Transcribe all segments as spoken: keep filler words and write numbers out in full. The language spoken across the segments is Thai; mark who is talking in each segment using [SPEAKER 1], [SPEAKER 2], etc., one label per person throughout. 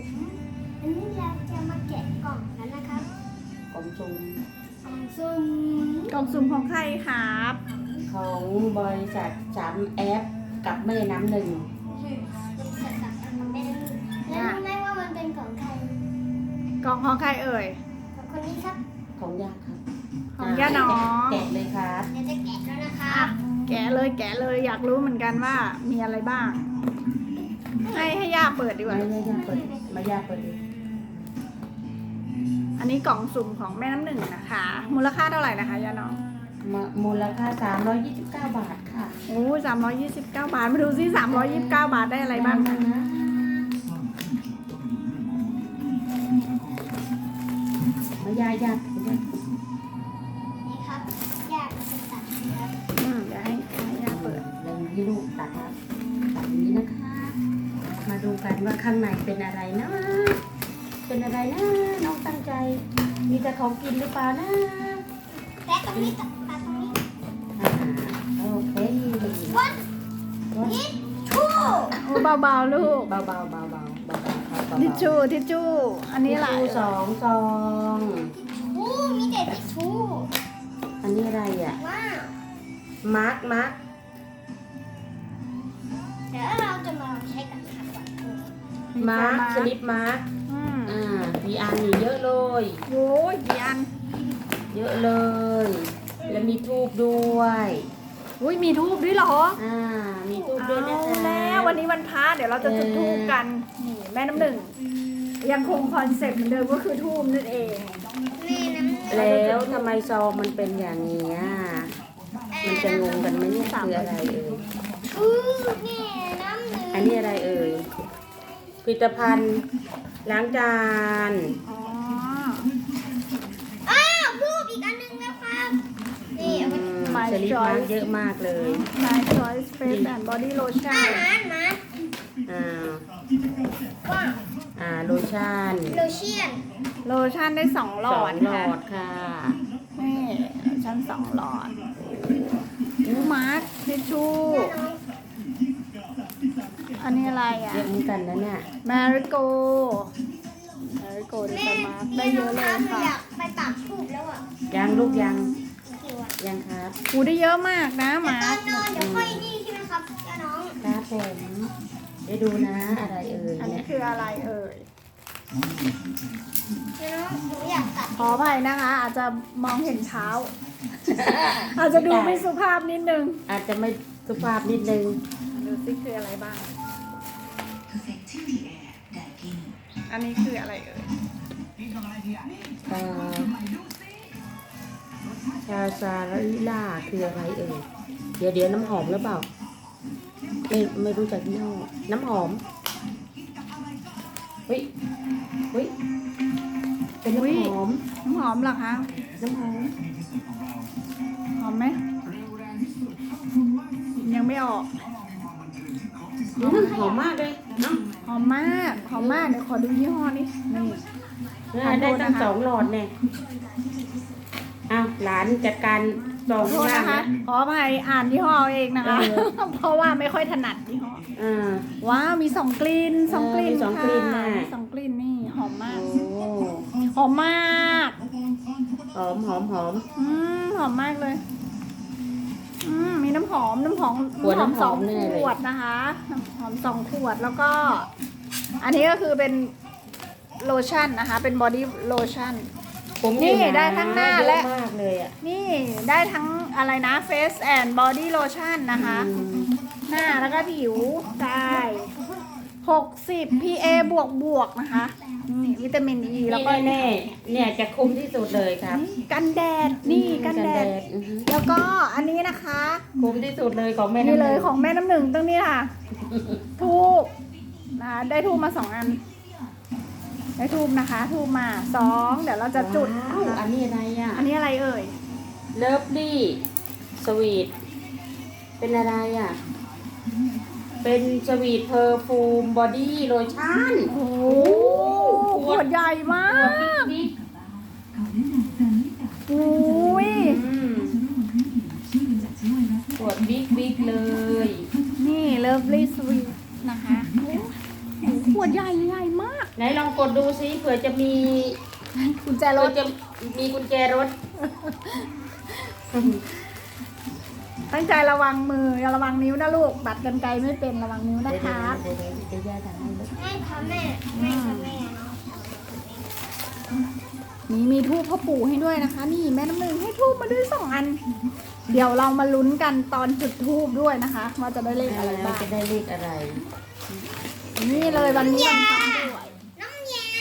[SPEAKER 1] อันนี้เราจะมาแกะกล่องกันนะครับ
[SPEAKER 2] กล่องซุ่ม
[SPEAKER 1] กล่องซุ่ม
[SPEAKER 3] กล่องสุ่มของใครครับ
[SPEAKER 2] ของบริษัทสามแอปกับแม่น้ำหนึ่ง
[SPEAKER 1] เป็นสัตว์กับมันไม่ได้แล้วรู้ไหมว่ามันเป็นของใคร
[SPEAKER 3] กล่องของใครเอ่ย
[SPEAKER 1] ของคนนี้ครับ
[SPEAKER 2] ของยาครับ
[SPEAKER 3] ของย่าน้อง
[SPEAKER 2] แกะเลยครับ
[SPEAKER 1] เดี๋ยวจะแกะแล้วนะคะ
[SPEAKER 3] อ่ะแกะเลยแกะเลยอยากรู้เหมือนกันว่ามีอะไรบ้าง ให้ให้ย่าเปิดดีกว่า
[SPEAKER 2] ไม่ไม่ยาเปิดไม่ยาเปิดเลย
[SPEAKER 3] อันนี้กล่องสุ่มของแม่น้ำหนึ่งนะคะ มูลค่าเท่าไหร่นะคะย่าน้อง
[SPEAKER 2] มามูลค่าสามร้อยยี่สิบเก้าบาทค่ะ
[SPEAKER 3] โอ้สามร้อยยี่สิบเก้าบาทมาดูซิสามร้อยยี่สิบเก้าบาทได้อะไรบ้างคะ
[SPEAKER 2] นะมายายา
[SPEAKER 1] นี่ครับอยากจะตัดครับ
[SPEAKER 3] อืมเดี๋ยวให้ให้ย่าเปิด
[SPEAKER 2] เดี๋ยวให้ลูกตัดครับตัดอย่างนี้นะคะ มาดูกันว่าข้างในเป็นอะไรนะ เป็นอะไรนะน้องตั้งใจ มีแต่ของกินหรือเปล่านะ
[SPEAKER 1] แกะตรงนี้ตัดตัดตรงนี้
[SPEAKER 2] อ่าโอเค
[SPEAKER 1] วัน
[SPEAKER 2] วัด
[SPEAKER 1] นี้ชู่
[SPEAKER 3] โอ้เบาๆลูก
[SPEAKER 2] เบาๆเบาๆเบาๆเบาๆครับเบาๆ
[SPEAKER 3] ทิชชู่ทิชชู่อันนี้อะไร
[SPEAKER 2] ทิชชู่สองซอง
[SPEAKER 1] ชู่มีแต่ทิชชู่
[SPEAKER 2] อันนี้อะไรอ่ะ
[SPEAKER 1] ว้าว
[SPEAKER 2] มาร์กมาร์ก
[SPEAKER 1] เดี๋ยวเราจะมาลองใช้กันค่ะก่อน
[SPEAKER 2] มาร์กสลิปมาร์ก
[SPEAKER 3] อืม
[SPEAKER 2] อ่ามีอันนี่เยอะเลย
[SPEAKER 3] โอ้ยกี่อัน
[SPEAKER 2] เยอะเลย แล้วมีทูบด้วย
[SPEAKER 3] อุ้ยมีทูบด้วยเหรอ
[SPEAKER 2] อ่า มีทูบด้วยนะ
[SPEAKER 3] เอา
[SPEAKER 2] คะ
[SPEAKER 3] แล้ววันนี้วันพระเดี๋ยวเราจะจุดทูบกันนี่แม่น้ำหนึ่งยังคงคอนเซ็ปต์เหมือนเดิมก็คือทูบนั่นเอง
[SPEAKER 1] แม่น้ำหนึ่ง
[SPEAKER 2] แล้วทำไมซองมันเป็นอย่างนี้อ่ะมันจะงงกันไหมเนี่ยคืออะไรเอ่ย
[SPEAKER 1] อือแม่น้ำหนึ่ง
[SPEAKER 2] อันนี้อะไรเอ่ยผลิตภัณฑ์ล้างจาน
[SPEAKER 3] อ๋อ
[SPEAKER 1] อ้าวรูปอีกอันหนึงแล้วครับนี่เอา
[SPEAKER 2] อื
[SPEAKER 1] ไป
[SPEAKER 2] มสลิปมาร์กเยอะมากเลย
[SPEAKER 3] My Choice Face and Body
[SPEAKER 1] อา
[SPEAKER 3] Lotion
[SPEAKER 1] หารมา
[SPEAKER 2] อ่า
[SPEAKER 1] ว้าว
[SPEAKER 2] อ่า โลชั่น
[SPEAKER 1] โลเชียน
[SPEAKER 3] โลชั่นได้สองหล
[SPEAKER 2] ส
[SPEAKER 3] อ
[SPEAKER 2] อ
[SPEAKER 3] ด
[SPEAKER 2] งหล
[SPEAKER 3] ค่ะ
[SPEAKER 2] อดค่ะ
[SPEAKER 3] นี่โลชั่นสองหลอดอูมาร์คทิชชู่อันนี้อะไรอ่ะ
[SPEAKER 2] เยอะเหมือนกันนะเนี่ย
[SPEAKER 3] มาริโกมาริโกดิ
[SPEAKER 1] แม่
[SPEAKER 3] สมาร์คได้
[SPEAKER 1] แม่
[SPEAKER 3] เย
[SPEAKER 1] น้อ
[SPEAKER 3] อะ
[SPEAKER 1] ง
[SPEAKER 3] เล
[SPEAKER 1] ครั
[SPEAKER 3] ย
[SPEAKER 1] บหนู
[SPEAKER 3] ค่ะ
[SPEAKER 1] อยากไปปักทูบแล้วอ่ะ
[SPEAKER 2] ยังลูกยัง
[SPEAKER 1] หิวอ่ะ
[SPEAKER 2] ยังครับ
[SPEAKER 3] อูได้เยอะมากนะ
[SPEAKER 1] แต่
[SPEAKER 3] มา
[SPEAKER 1] ตอ
[SPEAKER 3] ร์
[SPEAKER 1] น
[SPEAKER 3] คน
[SPEAKER 1] อนเดี๋ยวค่อยนี่ใช่ไหมครับย่าน้อง
[SPEAKER 2] ครับผมได้ดูนะอะไรเอ่ย
[SPEAKER 3] อันนี้
[SPEAKER 2] เนี่ย
[SPEAKER 3] คืออะไรเอ่ย
[SPEAKER 1] ย่าน้องหนูอยากตัด
[SPEAKER 3] ขออภัยนะคะ อาจจะมองเห็นเท้า อาจจะดูไม่สุภาพนิดนึง
[SPEAKER 2] อาจจะไม่สุภาพนิดนึง
[SPEAKER 3] ดูซิคืออะไรบ้าง อันนี้คืออะไรเอ่ย
[SPEAKER 2] เอ่อชาซาลิล่าคืออะไรเอ่ยเดี๋ยวเดี๋ยวน้ำหอมหรือเปล่าไม่ไม่รู้จักยี่ห้อน้ำหอมเฮ้ยเฮ้ยเป็นน้ำหอม
[SPEAKER 3] น้ำหอมเหรอคะ
[SPEAKER 2] น้ำหอม
[SPEAKER 3] หอมไหม ยังไม่ออก
[SPEAKER 2] อืมหอมมากเลยเนาะ
[SPEAKER 3] หอมมาก หอมมาก เดี๋ยวขอดูยี่ห้อนี้นี่
[SPEAKER 2] เนี่ยได้ตั้งสองหลอดเนี่ยอ้าวหลานจัดการส
[SPEAKER 3] ข
[SPEAKER 2] อ
[SPEAKER 3] อง โทษ
[SPEAKER 2] ล่าง
[SPEAKER 3] นะคะ
[SPEAKER 2] นะ
[SPEAKER 3] ขออภัยอ่านยี่ห้อเองนะคะ
[SPEAKER 2] เออ
[SPEAKER 3] เพราะว่าไม่ค่อยถนัดยี่ห้อ
[SPEAKER 2] อ่า
[SPEAKER 3] ว้าว มีสองกลิ่นสองกลิ่น
[SPEAKER 2] เออมีสองกลิ่น
[SPEAKER 3] ค่ะ
[SPEAKER 2] น่ะ
[SPEAKER 3] มีสองกลิ่นนี่ หอมมาก
[SPEAKER 2] โอ้
[SPEAKER 3] หอมมาก
[SPEAKER 2] หอมหอมหอม
[SPEAKER 3] อืมหอมมากเลย อืมมีน้ำหอมน้ำหอม
[SPEAKER 2] ขวด
[SPEAKER 3] น้ำหอม
[SPEAKER 2] น้ำห
[SPEAKER 3] ส
[SPEAKER 2] อ
[SPEAKER 3] อง
[SPEAKER 2] มแน่เลย
[SPEAKER 3] ขวดนะคะน้ำหอมสองขวดแล้วก็ อันนี้ก็คือเป็นโลชั่นนะคะ เป็นบอดี้โลชั่น
[SPEAKER 2] ผม
[SPEAKER 3] นี่
[SPEAKER 2] อยู่ะ
[SPEAKER 3] ได้ทั้งหน้า
[SPEAKER 2] เยอะ
[SPEAKER 3] และ
[SPEAKER 2] มากเลยอ่ะ
[SPEAKER 3] นี่ได้ทั้งอะไรนะ Face and Body Lotion นะคะ
[SPEAKER 2] อืม
[SPEAKER 3] หน้าแล้วก็ผิวกายหกสิบ พี เอ บวกบวกนะคะนี่วิตามินอ e, แล้วก็
[SPEAKER 2] นี่แน่ๆเนี่ยจะคุ้มที่สุดเลยครับ
[SPEAKER 3] นี่กันแดด นี่กันแดด
[SPEAKER 2] อือฮึ
[SPEAKER 3] แล้วก็อันนี้นะคะ
[SPEAKER 2] คุ้มที่สุดเลยของแม่
[SPEAKER 3] นี่
[SPEAKER 2] น้ำ
[SPEAKER 3] เลย
[SPEAKER 2] หนึ่ง
[SPEAKER 3] ของแม่น้ำหนึ่งตรงนี้ค่ะ ทูบนะคะได้ทูบมาสองอัน ได้ทูบนะคะ ทูบมาสองเดี๋ยวเราจะจุด
[SPEAKER 2] ว้าวอันนี้อะไรอ่ะ
[SPEAKER 3] อันนี้อะไรเอ่ย
[SPEAKER 2] เลิฟลี่สวีทเป็นอะไรอ่ะ เป็นสวีทเพอร์ฟูมบอดี้โลชั่น
[SPEAKER 3] โอ้โหขวดใหญ่มา
[SPEAKER 2] ขวด
[SPEAKER 3] ก
[SPEAKER 2] บิ๊ก
[SPEAKER 3] อุ้ย
[SPEAKER 2] ๆอืมขวดบิ๊กบิ๊กเลย
[SPEAKER 3] นี่ Lovely Sweet นะคะโอ้โหขวดใหญ่ใหญ่มาก
[SPEAKER 2] ไหนลองกดดูซิเผื่อจะมี
[SPEAKER 3] กุญแจร
[SPEAKER 2] เผื่อ
[SPEAKER 3] ถ
[SPEAKER 2] จะมีกุญแจรถ
[SPEAKER 3] ตั้งใจระวังมืออย่าระวังนิ้วนะลูกบัดกันไกลไม่เป็นระวังนิ้วนะคะ
[SPEAKER 2] เดี๋ยวๆเดี๋ยวๆเดี๋ยวย่าทำให้ลูก
[SPEAKER 1] ไม่ค่ะแม่ไม่ค่ะแม่เนาะ
[SPEAKER 3] นี่มีทูบพ่อปู่ให้ด้วยนะคะ นี่แม่น้ำหนึ่งให้ทูบมาด้วยสองอัน เดี๋ยวเรามาลุ้นกันตอนจุดทูบด้วยนะคะว่าจะได้เลขอะไรบ้าง
[SPEAKER 2] จะได้เลขอะไร
[SPEAKER 3] นี่เลยวันนี้วันพระด้วย
[SPEAKER 1] น้ำยา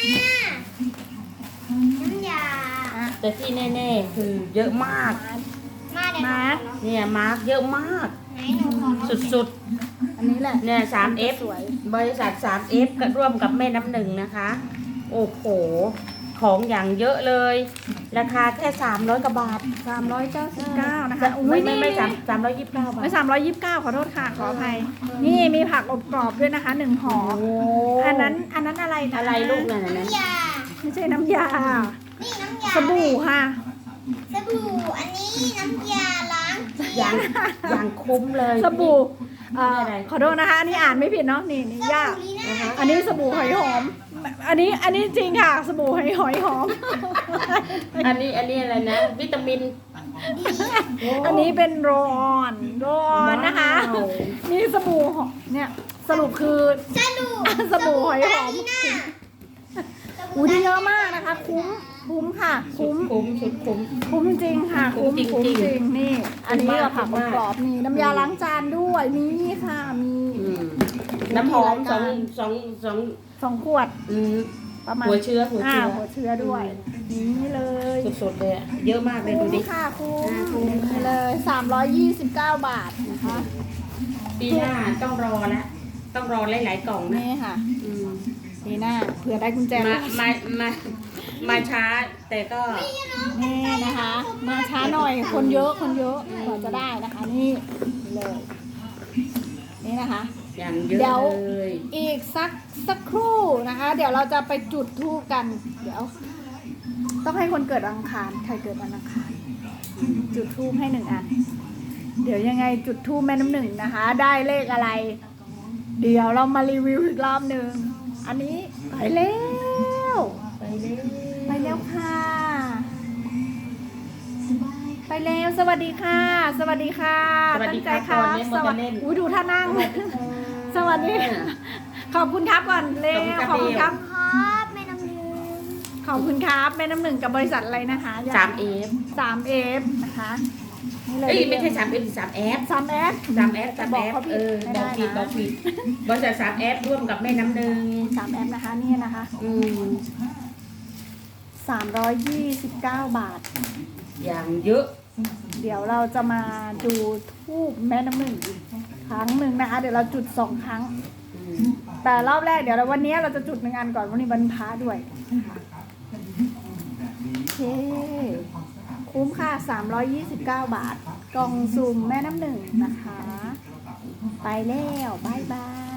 [SPEAKER 1] น้ำยา
[SPEAKER 3] อ่ะ
[SPEAKER 2] แต่ที่แน่ๆคือเยอะมาก
[SPEAKER 1] มาเดี๋ยว
[SPEAKER 3] มา
[SPEAKER 1] เนาะ
[SPEAKER 2] เนี่ยมาร์กเยอะมาก
[SPEAKER 1] ไหนหนูขอ
[SPEAKER 2] สุด
[SPEAKER 3] อันนี้แหละ
[SPEAKER 2] ๆเนี่ย สาม เอฟ
[SPEAKER 3] สวย
[SPEAKER 2] บริษัท สาม เอฟ ก็ร่วมกับแม่น้ำหนึ่งนะคะ โอ้โห ของอย่างเยอะเลย ราคาแค่สามร้อยกว่าบาท
[SPEAKER 3] สามร้อยเก้าสิบเก้านะคะอุ้
[SPEAKER 2] ไม่
[SPEAKER 3] ย
[SPEAKER 2] ไม่
[SPEAKER 3] นี่
[SPEAKER 2] ไม่
[SPEAKER 3] นี่
[SPEAKER 2] สามสามร้อยยี่สิบเก้าบาท
[SPEAKER 3] ไม่สามร้อยยี่สิบเก้าขอโทษค่ะ ขออภัย นี่มีผักอบกรอบด้วยนะคะหนึ่งห่อ
[SPEAKER 2] โอ้
[SPEAKER 3] อันนั้นอันนั้นอะไรนะ
[SPEAKER 2] อะไรลูกนั่นน่ะนั้น
[SPEAKER 1] น้ำยา
[SPEAKER 3] ไม่ใช่น้ำยา
[SPEAKER 1] นี่น้ำยา
[SPEAKER 3] สบู่ค่ะ
[SPEAKER 1] สบู่ อันนี้น้ำยาล้างเกีย
[SPEAKER 2] อย่าง
[SPEAKER 1] ง
[SPEAKER 2] อย่างคุ้มเลย
[SPEAKER 3] สบู่เอ่อ
[SPEAKER 2] นี่อะไร
[SPEAKER 3] ขอโทษนะคะ อันนี้อ่านไม่ผิดเนาะ นี่นี่
[SPEAKER 1] ส
[SPEAKER 3] ย่า
[SPEAKER 1] บู่ลีน่า
[SPEAKER 3] อันนี้สบู่หอยหอม อันนี้อันนี้จริงค่ะ สบู่หอยหอยหอม
[SPEAKER 2] อันนี้อันนี้อะไรนะ วิตามินโ
[SPEAKER 3] อันนี้เป็นโรลออนโรลออนนะคะ
[SPEAKER 2] ว้าว
[SPEAKER 3] นี่สบู่หอมเนี่ยสรุปคือ
[SPEAKER 1] สบู่
[SPEAKER 3] สบู่หอยหอม
[SPEAKER 1] ลีน่าสบู่
[SPEAKER 3] อู้ดีเยอะมากนะคะ คุ้มคุ้มค่ะ
[SPEAKER 2] สุด
[SPEAKER 3] คุ้ม
[SPEAKER 2] คุ้มสุดคุ้ม
[SPEAKER 3] คุ้มจริงค่ะ
[SPEAKER 2] คุ้
[SPEAKER 3] คุ้ม
[SPEAKER 2] มจริงๆ
[SPEAKER 3] คุ้มจริงนี่ อันนี้
[SPEAKER 2] คุ้มมาก
[SPEAKER 3] ก็ผัก
[SPEAKER 2] คุ้มมาก
[SPEAKER 3] กรอบๆนี่น้ำยาล้างจานด้วยนี่ค่ะมี
[SPEAKER 2] อืมน้ำหอมสองสองสอง
[SPEAKER 3] สองขวด
[SPEAKER 2] อืม
[SPEAKER 3] ประมาณ
[SPEAKER 2] หัวเชื้อหัว
[SPEAKER 3] อ่า
[SPEAKER 2] เชื้อ
[SPEAKER 3] หัวเชื้อด้วยนี่เลย
[SPEAKER 2] สุดๆเลยอะเยอะมากเลยดู
[SPEAKER 3] คุ้ม
[SPEAKER 2] ดิ
[SPEAKER 3] ค่ะคุ้ม
[SPEAKER 2] อ่าคุ้ม
[SPEAKER 3] นี่เลยสามร้อยยี่สิบเก้าบาทนะคะ
[SPEAKER 2] ปีหน้าต้องรอละต้องรอหลายๆกล่องนะ
[SPEAKER 3] นี่ค่ะ
[SPEAKER 2] อืม
[SPEAKER 3] นี่หน้าเผื่อได้กุญแจ
[SPEAKER 2] มามามามาช้า แต่ก็
[SPEAKER 3] นี่นะคะ มาช้าหน่อยคนเยอะคนเยอะกว่าจะได้นะคะ นี่นี่เลย นี่นะคะ
[SPEAKER 2] อย่างเย
[SPEAKER 3] เดี๋
[SPEAKER 2] อะ
[SPEAKER 3] ยว
[SPEAKER 2] เลย
[SPEAKER 3] อีกสักสักครู่นะคะ เดี๋ยวเราจะไปจุดธูปกัน เดี๋ยว ต้องให้คนเกิดวันอังคารใครเกิดวันอังคาร จุดธูปให้หนึ่งอัน เดี๋ยวยังไงจุดธูปแม่น้ำหนึ่งนะคะ ได้เลขอะไร เดี๋ยวเรามารีวิวอีกรอบหนึ่งอันนี้ไปแล้ว
[SPEAKER 2] ไปเลย
[SPEAKER 3] ไปแล้วค่ะ ไปแล้วสวัสดีค่ะ สวัสดีค่ะ
[SPEAKER 2] สวัสดี
[SPEAKER 3] ตั้งใจ
[SPEAKER 2] ครับ
[SPEAKER 3] ค่ะ
[SPEAKER 2] ก่อนเนี่ย
[SPEAKER 3] ส
[SPEAKER 2] มัน
[SPEAKER 3] วั
[SPEAKER 2] จะ
[SPEAKER 3] สดี
[SPEAKER 2] เล่น
[SPEAKER 3] อุ้ยดูท่านั่ง สวัสดีค่ะขอบคุณครับก่อนเร็วข
[SPEAKER 2] ข
[SPEAKER 3] อ
[SPEAKER 2] อ
[SPEAKER 3] บบ
[SPEAKER 2] คุ
[SPEAKER 3] คุณ
[SPEAKER 2] ณ
[SPEAKER 3] ค
[SPEAKER 2] ครั
[SPEAKER 3] รับ
[SPEAKER 2] บ
[SPEAKER 1] ครับแม่น้ำหนึ่ง
[SPEAKER 3] ขอบคุณครับแม่น้ำหนึ่งกับบริษัทอะไรนะคะ
[SPEAKER 2] สามเอฟ
[SPEAKER 3] สามเอฟนะคะนี่เลย
[SPEAKER 2] เอ้ยไม่ใช่สามเอฟสามแอฟ
[SPEAKER 3] สามเอฟ
[SPEAKER 2] สามแอฟสาม
[SPEAKER 3] บ
[SPEAKER 2] แอ
[SPEAKER 3] อก
[SPEAKER 2] ฟ
[SPEAKER 3] เขาผิ
[SPEAKER 2] เอ
[SPEAKER 3] ด
[SPEAKER 2] อ
[SPEAKER 3] ไม่
[SPEAKER 2] บอ
[SPEAKER 3] ได้
[SPEAKER 2] กผิดบอ
[SPEAKER 3] นะ
[SPEAKER 2] กผิดบริษัทสามแอฟร่วมกับแม่น้ำหนึ่ง
[SPEAKER 3] สามเอฟนะคะนี่นะคะ
[SPEAKER 2] อืม
[SPEAKER 3] สามร้อยยี่สิบเก้าบาท
[SPEAKER 2] อย่างเยอะ
[SPEAKER 3] เดี๋ยวเราจะมาดูทูบแม่น้ำหนึ่งอีกครั้งหนึ่งนะคะ เดี๋ยวเราจุดสองครั้ง
[SPEAKER 2] อืม
[SPEAKER 3] แต่รอบแรกเดี๋ยวเราวันนี้เราจะจุดหนึ่งอันก่อนวันนี้วันพระด้วยโอเคคุ้มค่ะสามร้อยยี่สิบเก้าบาท กล่องสุ่มแม่น้ำหนึ่งนะคะ ไปแล้วบายบาย